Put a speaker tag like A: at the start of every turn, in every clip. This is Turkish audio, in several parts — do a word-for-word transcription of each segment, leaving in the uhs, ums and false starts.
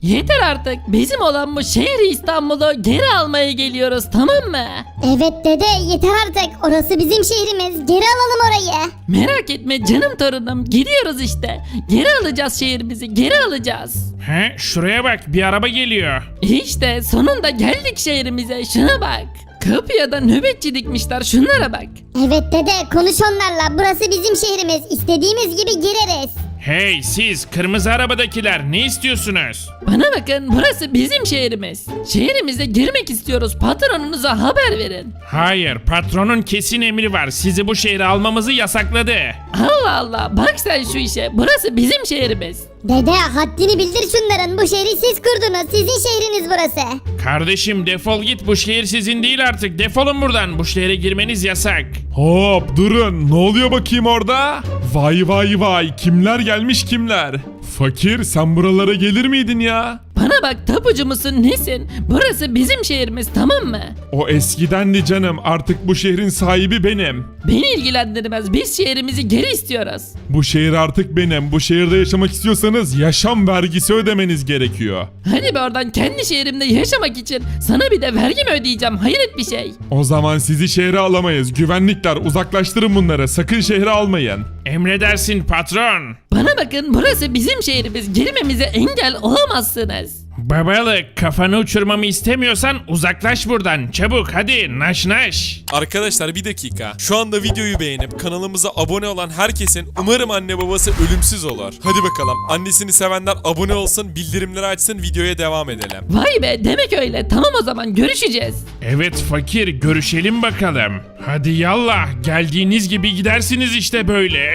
A: Yeter artık. Bizim olan bu şehri İstanbul'u geri almaya geliyoruz, tamam mı?
B: Evet dede yeter artık. Orası bizim şehrimiz. Geri alalım orayı.
A: Merak etme canım torunum. Gidiyoruz işte. Geri alacağız şehrimizi. Geri alacağız.
C: He, şuraya bak, bir araba geliyor.
A: İşte sonunda geldik şehrimize. Şuna bak. Kapıya da nöbetçi dikmişler. Şunlara bak.
B: Evet dede konuş onlarla. Burası bizim şehrimiz. İstediğimiz gibi gireriz.
C: Hey siz, kırmızı arabadakiler, ne istiyorsunuz?
A: Bana bakın, burası bizim şehrimiz. Şehrimize girmek istiyoruz. Patronunuza haber verin.
C: Hayır, patronun kesin emri var. Sizi bu şehre almamızı yasakladı.
A: Allah Allah, bak sen şu işe. Burası bizim şehrimiz.
B: Dede haddini bildir şunların. Bu şehri siz kurdunuz. Sizin şehriniz burası.
C: Kardeşim defol git, bu şehir sizin değil artık. Defolun buradan, bu şehre girmeniz yasak.
D: Hop durun, ne oluyor bakayım orada? Vay vay vay, kimler gelmiş kimler? Fakir, sen buralara gelir miydin ya?
A: Bana bak, tapucu musun nesin? Burası bizim şehrimiz, tamam mı?
D: O eskidendi canım, artık bu şehrin sahibi benim.
A: Beni ilgilendirmez. Biz şehrimizi geri istiyoruz.
D: Bu şehir artık benim. Bu şehirde yaşamak istiyorsanız yaşam vergisi ödemeniz gerekiyor.
A: Hadi be oradan, kendi şehrimde yaşamak için sana bir de vergi mi ödeyeceğim? Hayret bir şey.
D: O zaman sizi şehre alamayız. Güvenlikler, uzaklaştırın bunları. Sakın şehre almayın.
C: Emredersin patron.
A: Bana bakın, burası bizim şehrimiz. Girmemize engel olamazsınız.
C: Babalık, kafanı uçurmamı istemiyorsan uzaklaş buradan. Çabuk hadi, naş naş.
E: Arkadaşlar bir dakika. Şu anda videoyu beğenip kanalımıza abone olan herkesin umarım anne babası ölümsüz olur. Hadi bakalım. Annesini sevenler abone olsun, bildirimleri açsın, videoya devam edelim.
A: Vay be, demek öyle. Tamam o zaman, görüşeceğiz.
C: Evet fakir, görüşelim bakalım. Hadi yallah, geldiğiniz gibi gidersiniz işte böyle.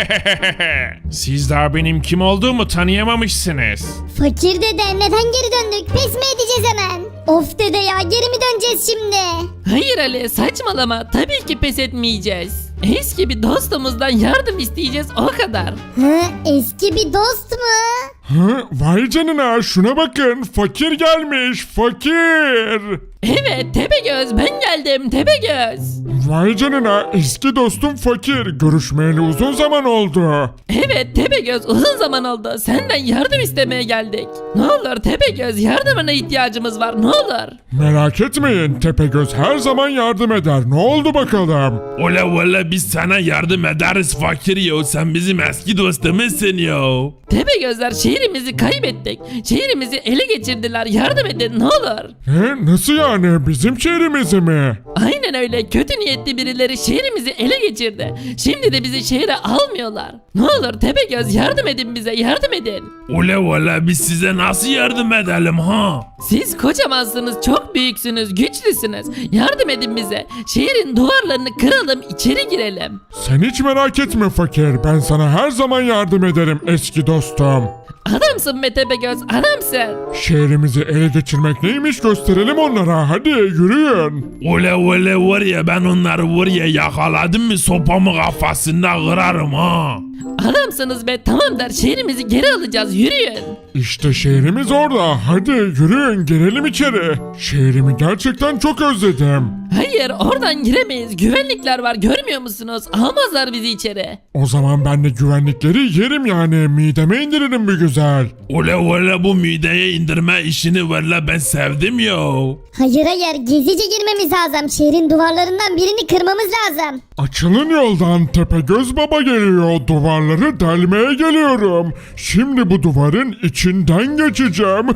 C: Siz daha benim kim olduğumu tanıyamamışsınız.
B: Fakir dede neden geri döndük? Pes mi edeceğiz hemen? Of dede ya, geri mi döneceğiz şimdi?
A: Hayır Ali, saçmalama. Tabii ki pes etmeyeceğiz. Eski bir dostumuzdan yardım isteyeceğiz, o kadar.
B: Hı, eski bir dost mu?
D: Hı? Vay canına, şuna bakın. Fakir gelmiş, fakir.
A: Evet Tepegöz, ben geldim Tepegöz.
D: Vay canına, eski dostum fakir. Görüşmeyeli uzun zaman oldu.
A: Evet Tepegöz, uzun zaman oldu. Senden yardım istemeye geldik. Ne olur Tepegöz, yardımına ihtiyacımız var, ne olur.
D: Merak etmeyin, Tepegöz her zaman yardım eder. Ne oldu bakalım?
F: Ola valla biz sana yardım ederiz fakir ya. Sen bizim eski dostumuzsun ya.
A: Tepegözler, şehrimizi kaybettik. Şehrimizi ele geçirdiler, yardım edin ne olur.
D: Ne? Nasıl yani? Bizim şehrimizi mi?
A: Aynen öyle, kötü niyetli birileri şehrimizi ele geçirdi. Şimdi de bizi şehre almıyorlar. Ne olur Tepegöz, yardım edin bize, yardım edin.
F: Ola valla biz size nasıl yardım edelim ha?
A: Siz kocamansınız, çok büyüksünüz, güçlüsünüz. Yardım edin bize. Şehrin duvarlarını kıralım, içeri girelim.
D: Sen hiç merak etme fakir. Ben sana her zaman yardım ederim eski dostum.
A: Adamsın be Tepegöz, adamsın.
D: Şehrimizi ele geçirmek neymiş gösterelim onlara. Hadi yürüyün.
F: Ola valla var ya, ben onları var ya yakaladım mı sopamı kafasında kırarım ha.
A: Adamsınız be, tamam der, şehrimizi geri alacağız, yürüyün.
D: İşte şehrimiz orada. Hadi yürüyün, girelim içeri. Şehrimi gerçekten çok özledim.
A: Hayır, oradan giremeyiz, güvenlikler var, görmüyor musunuz? Almazlar bizi içeri.
D: O zaman ben de güvenlikleri yerim yani. Mideme indiririm bir güzel.
F: Ola valla bu mideye indirme işini valla ben sevdim ya.
B: Hayır hayır, gezice girmemiz lazım. Şehrin duvarlarından birini kırmamız lazım.
D: Açılın yoldan, Tepegöz Baba geliyor. Duvarları delmeye geliyorum. Şimdi bu duvarın içinden geçeceğim.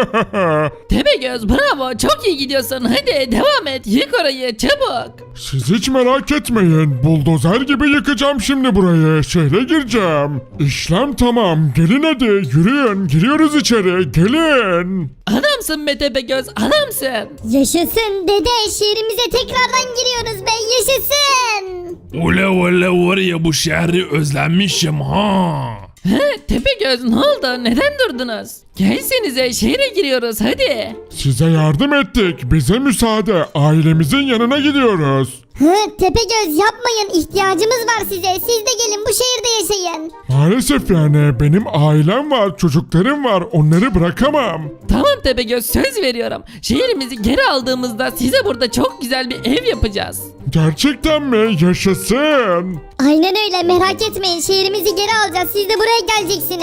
A: Tepegöz, bravo, çok iyi gidiyorsun, hadi devam et, yık orayı çabuk.
D: Siz hiç merak etmeyin. Buldozer gibi yıkacağım şimdi burayı. Şehre gireceğim. İşlem tamam. Gelin hadi. Yürüyün. Giriyoruz içeri. Gelin.
A: Adamsın be Tepegöz, adamsın.
B: Yaşasın dede, şehrimize tekrardan giriyoruz be, yaşasın.
F: Ola valla var ya, bu şehri özlemişim ha.
A: He, Tepegöz, ne oldu, neden durdunuz? Gelsenize, şehre giriyoruz hadi.
D: Size yardım ettik. Bize müsaade. Ailemizin yanına gidiyoruz.
B: Hı, Tepegöz yapmayın, ihtiyacımız var size. Siz de gelin bu şehirde yaşayın.
D: Maalesef yani benim ailem var, çocuklarım var. Onları bırakamam.
A: Tamam Tepegöz, söz veriyorum. Şehrimizi geri aldığımızda size burada çok güzel bir ev yapacağız.
D: Gerçekten mi? Yaşasın.
B: Aynen öyle, merak etmeyin, şehrimizi geri alacağız. Siz de buraya geleceksiniz.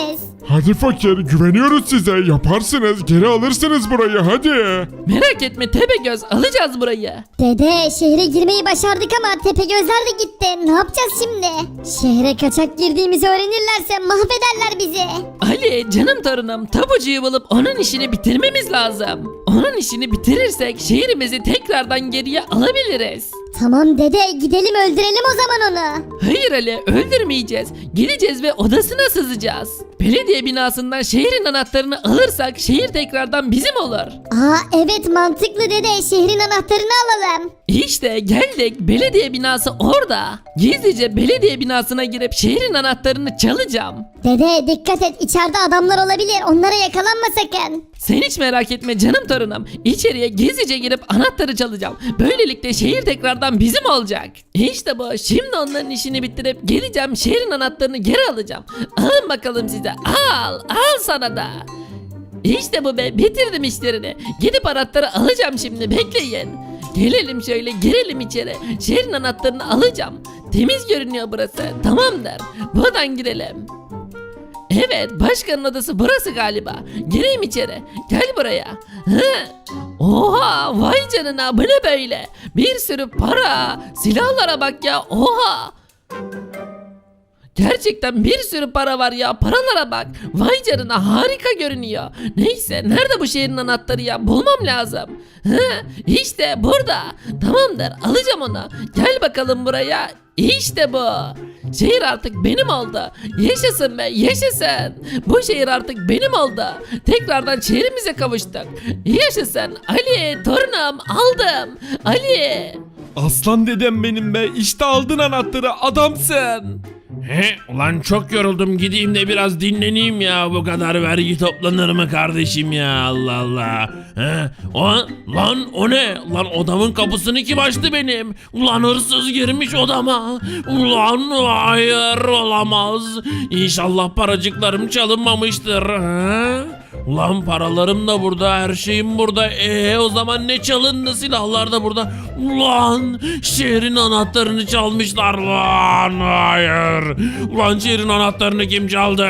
D: Hadi fakir, güveniyoruz size. Yaparsınız, geri alırsınız burayı, hadi.
A: Merak etme Tepegöz, alacağız burayı.
B: Dede şehre girmeyi başardık ama Tepegözler de gitti. Ne yapacağız şimdi? Şehre kaçak girdiğimizi öğrenirlerse mahvederler bizi.
A: Ali canım torunum, tapucuyu bulup onun işini bitirmemiz lazım. Onun işini bitirirsek şehrimizi tekrardan geriye alabiliriz.
B: Tamam dede, gidelim öldürelim o zaman onu.
A: Hayır Ali, öldürmeyeceğiz. Gideceğiz ve odasına sızacağız. Belediye binasından şehrin anahtarını alırsak şehir tekrardan bizim olur.
B: Aa evet, mantıklı dede, şehrin anahtarını alalım.
A: İşte geldik, belediye binası orada. Gizlice belediye binasına girip şehrin anahtarını çalacağım.
B: Dede dikkat et, içeride adamlar olabilir, onlara yakalanma sakın.
A: Sen hiç merak etme canım torunum. İçeriye gizlice girip anahtarı çalacağım. Böylelikle şehir tekrardan bizim olacak. İşte bu. Şimdi onların işini bitirip geleceğim, şehrin anahtarını geri alacağım. Alın bakalım size. Al. Al sana da. İşte bu be. Bitirdim işlerini. Gidip anahtarı alacağım şimdi. Bekleyin. Gelelim şöyle, girelim içeri. Şehrin anahtarını alacağım. Temiz görünüyor burası. Tamamdır. Buradan girelim. Evet, başkanın odası burası galiba. Gireyim içeri. Gel buraya. Hı? Oha, vay canına, bu ne böyle? Bir sürü para. Silahlara bak ya. Oha. Gerçekten bir sürü para var ya, paralara bak. Vay canına, harika görünüyor. Neyse, nerede bu şehrin anahtarı ya, bulmam lazım. Hı, işte burada. Tamamdır, alacağım onu. Gel bakalım buraya. İşte bu. Şehir artık benim oldu. Yaşasın be, yaşasın. Bu şehir artık benim oldu. Tekrardan şehrimize kavuştuk. Yaşasın. Ali, torunum, aldım. Ali.
G: Aslan dedem benim be, işte aldın anahtarı, adamsın.
F: He ulan çok yoruldum, gideyim de biraz dinleneyim ya, bu kadar vergi toplanır mı kardeşim ya, Allah Allah. He o lan, o ne lan, odamın kapısını kim açtı benim? Ulan hırsız girmiş odama. Ulan hayır, olamaz. İnşallah paracıklarım çalınmamıştır. He? Ulan paralarım da burada, her şeyim burada. Eee o zaman ne çalındı? Silahlar da burada. Ulan şehrin anahtarını çalmışlar lan. Hayır. Ulan şehrin anahtarını kim çaldı?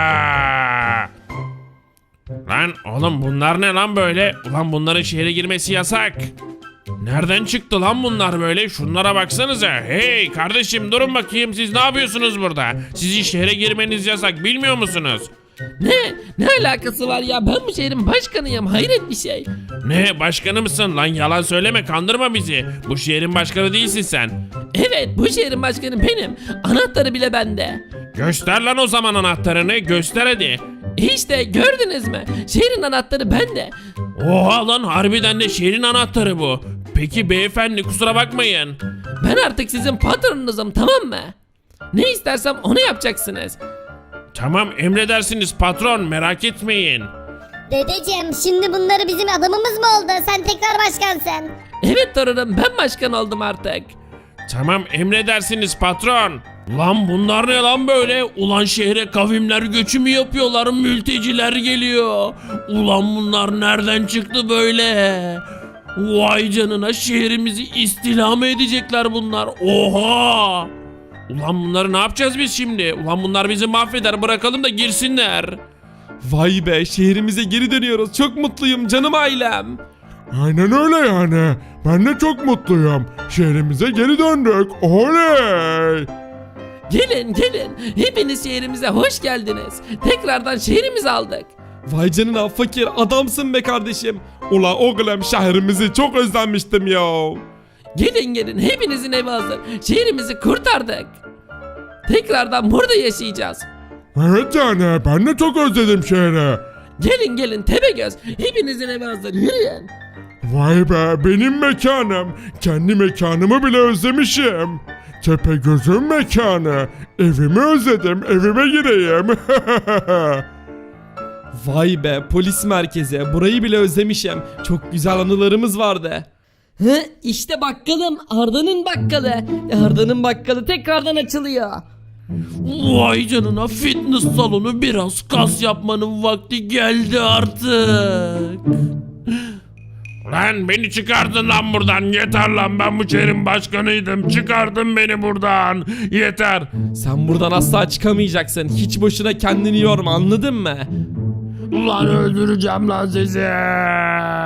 C: Lan oğlum, bunlar ne lan böyle? Ulan bunların şehre girmesi yasak. Nereden çıktı lan bunlar böyle? Şunlara baksanıza. Hey kardeşim, durun bakayım, siz ne yapıyorsunuz burada? Sizin şehre girmeniz yasak, bilmiyor musunuz?
A: Ne? Ne alakası var ya? Ben bu şehrin başkanıyım. Hayret bir şey.
C: Ne, başkanı mısın lan? Yalan söyleme, kandırma bizi. Bu şehrin başkanı değilsin sen.
A: Evet, bu şehrin başkanı benim. Anahtarı bile bende.
C: Göster lan o zaman anahtarını, göster hadi.
A: İşte gördünüz mü? Şehrin anahtarı bende.
C: Oha lan, harbiden de şehrin anahtarı bu. Peki beyefendi, kusura bakmayın.
A: Ben artık sizin patronunuzum, tamam mı? Ne istersem onu yapacaksınız.
C: Tamam, emredersiniz patron, merak etmeyin.
B: Dedeciğim, şimdi bunları bizim adamımız mı oldu? Sen tekrar başkansın.
A: Evet torunum, ben başkan oldum artık.
C: Tamam, emredersiniz patron. Lan bunlar ne lan böyle? Ulan şehre kavimler göçü mü yapıyorlar? Mülteciler geliyor. Ulan bunlar nereden çıktı böyle? Vay canına, şehrimizi istila mı edecekler bunlar? Oha! Ulan bunları ne yapacağız biz şimdi? Ulan bunlar bizi mahveder, bırakalım da girsinler.
G: Vay be, şehrimize geri dönüyoruz, çok mutluyum canım ailem.
D: Aynen öyle yani. Ben de çok mutluyum. Şehrimize geri döndük. Oley!
A: Gelin gelin, hepiniz şehrimize hoş geldiniz. Tekrardan şehrimizi aldık.
G: Vay canına fakir, adamsın be kardeşim. Ula oğlum, şehrimizi çok özlemiştim ya.
A: Gelin gelin, hepinizin evi hazır. Şehrimizi kurtardık. Tekrardan burada yaşayacağız.
D: Evet yani, ben de çok özledim şehri.
A: Gelin gelin Tepegöz, hepinizin evi hazır, yürüyün.
D: Vay be, benim mekanım. Kendi mekanımı bile özlemişim. Tepegöz'ün mekanı. Evimi özledim, evime gireyim.
G: Vay be, polis merkezi, burayı bile özlemişim. Çok güzel anılarımız vardı.
A: Hı, işte bakkalım, Arda'nın bakkalı. Arda'nın bakkalı tekrardan açılıyor.
F: Vay canına, fitness salonu, biraz kas yapmanın vakti geldi artık. Lan beni çıkardın lan buradan. Yeter lan, ben bu şehrin başkanıydım. Çıkardın beni buradan. Yeter.
G: Sen buradan asla çıkamayacaksın. Hiç boşuna kendini yorma, anladın mı?
F: Ulan öldüreceğim lan sizi.